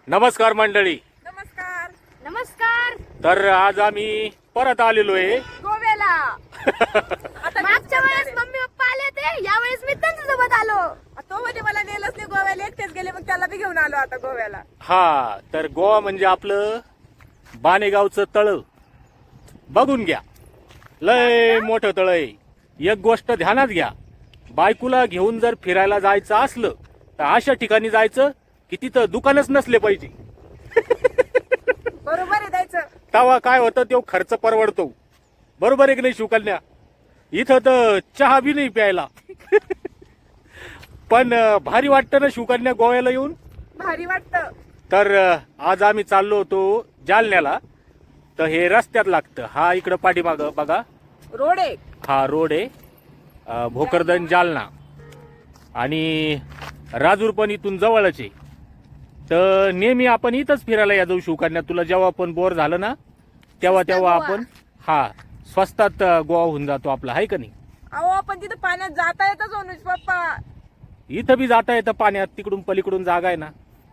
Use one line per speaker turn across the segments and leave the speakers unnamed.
नमस्कार मंडळी.
नमस्कार.
नमस्कार.
तर आज आम्ही परत आलेलो आहे
गोव्याला. आता
मागच्या वेळेस मम्मी पप्पा आले होते, यावेळेस मी त्यांच्यासोबत आलो.
तो म्हणजे मला नेलच नाही गोव्याला, एकटेच गेले, मग त्याला बी घेऊन आलो आता गोव्याला.
हा. तर गोवा म्हणजे आपलं बाणेगावचं तळ बघून घ्या. लय मोठं तळ आहे. एक गोष्ट ध्यानात घ्या, बायकोला घेऊन जर फिरायला जायचं असलं तर अशा ठिकाणी जायचं की तिथं दुकानच नसले पाहिजे.
बरोबर आहे द्यायचं.
तेव्हा काय होतं, तो खर्च परवडतो. बरोबर आहे की नाही शिवकन्या? इथं तर चहा बी नाही प्यायला. पण भारी वाटतं ना शिवकन्या गोव्याला येऊन.
भारी वाटतं.
तर आज आम्ही चाललो होतो जालन्याला. तर हे रस्त्यात लागतं. हा इकडं पाठीमागं बघा,
रोड आहे.
हा रोड आहे, भोकरदन जालना. आणि राजूर पण इथून जवळच आहे. तर नेहमी आपण इथंच फिरायला या जाऊ शिवकन्या. तुला जेव्हा पण बोर झालं ना तेव्हा
गोवा.
आपण हा स्वस्तात गोवा होऊन जातो आपला, आहे का नाही?
अहो आपण तिथं पाण्यात जाता येतच अनुज पप्पा.
इथं बी जाता येतं पाण्यात, तिकडून पलीकडून जागा आहे ना.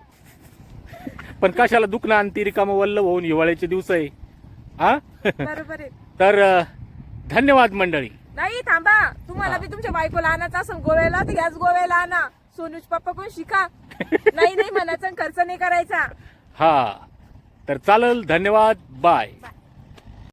पण कशाला दुखणं आणि ती रिकामं वल्ल होऊन हिवाळ्याचे दिवस आहे. हा.
बरोबर आहे.
तर धन्यवाद मंडळी.
नाही थांबा, तुम्हाला बी तुमच्या बायकोला आणायचं असं गोव्याला तर याच गोव्याला आणा. सोनूज पप्पा कोण शिका. नाही नाही म्हणायचं, खर्च नाही करायचा.
हा. तर चालेल. धन्यवाद. बाय.